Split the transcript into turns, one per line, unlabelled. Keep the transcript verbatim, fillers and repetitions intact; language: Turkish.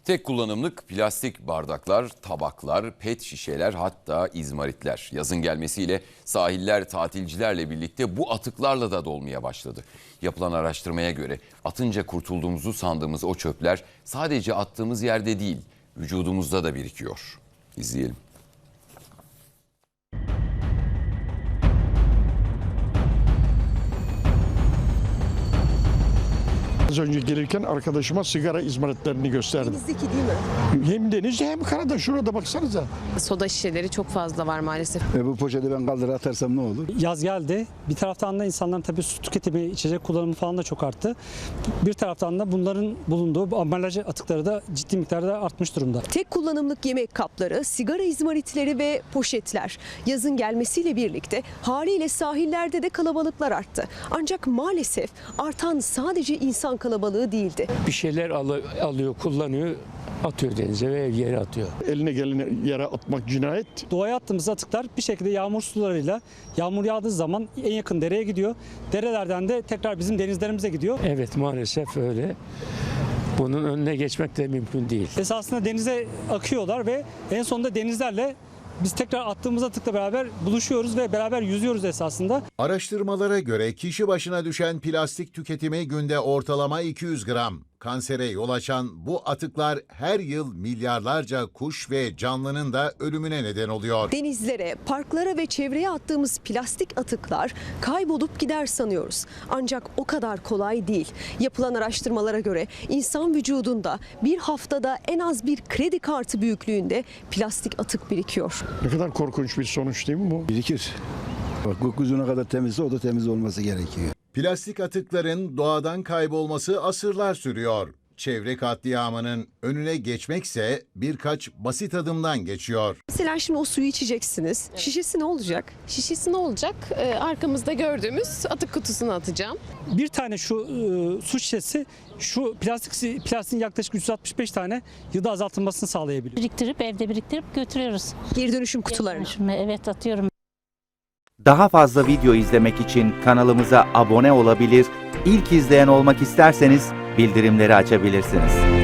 Tek kullanımlık plastik bardaklar, tabaklar, pet şişeler, hatta izmaritler. Yazın gelmesiyle sahiller tatilcilerle birlikte bu atıklarla da dolmaya başladı. Yapılan araştırmaya göre atınca kurtulduğumuzu sandığımız o çöpler sadece attığımız yerde değil, vücudumuzda da birikiyor. İzleyelim.
Az önce gelirken arkadaşıma sigara izmaritlerini gösterdim.
Denizdeki değil mi?
Hem denizde hem karada, şurada baksanıza.
Soda şişeleri çok fazla var maalesef.
E bu poşeti ben kaldır atarsam ne olur?
Yaz geldi. Bir taraftan da insanların tabii su tüketimi, içecek kullanımı falan da çok arttı. Bir taraftan da bunların bulunduğu ambalaj atıkları da ciddi miktarda artmış durumda.
Tek kullanımlık yemek kapları, sigara izmaritleri ve poşetler. Yazın gelmesiyle birlikte haliyle sahillerde de kalabalıklar arttı. Ancak maalesef artan sadece insan kalabalığı değildi.
Bir şeyler alıyor, kullanıyor, atıyor denize ve yere atıyor.
Eline gelene yere atmak cinayet.
Doğaya attığımız atıklar bir şekilde yağmur sularıyla yağmur yağdığı zaman en yakın dereye gidiyor. Derelerden de tekrar bizim denizlerimize gidiyor.
Evet, maalesef öyle. Bunun önüne geçmek de mümkün değil.
Esasında denize akıyorlar ve en sonunda denizlerle biz tekrar attığımız atıkla beraber buluşuyoruz ve beraber yüzüyoruz esasında.
Araştırmalara göre kişi başına düşen plastik tüketimi günde ortalama iki yüz gram. Kansere yol açan bu atıklar her yıl milyarlarca kuş ve canlının da ölümüne neden oluyor.
Denizlere, parklara ve çevreye attığımız plastik atıklar kaybolup gider sanıyoruz. Ancak o kadar kolay değil. Yapılan araştırmalara göre insan vücudunda bir haftada en az bir kredi kartı büyüklüğünde plastik atık birikiyor.
Ne kadar korkunç bir sonuç değil mi bu?
Birikir. Bak gökyüzüne kadar temizse o da temiz olması gerekiyor.
Plastik atıkların doğadan kaybolması asırlar sürüyor. Çevre katliamının önüne geçmekse birkaç basit adımdan geçiyor.
Mesela şimdi o suyu içeceksiniz. Şişesi ne olacak?
Şişesi ne olacak? Ee, arkamızda gördüğümüz atık kutusuna atacağım.
Bir tane şu e, su şişesi şu plastik plastiğin yaklaşık üç yüz altmış beş tane yılda azaltılmasını sağlayabiliyor.
Biriktirip evde biriktirip götürüyoruz.
Geri dönüşüm kutularına.
Dönüşüme, evet, atıyorum.
Daha fazla video izlemek için kanalımıza abone olabilir, ilk izleyen olmak isterseniz bildirimleri açabilirsiniz.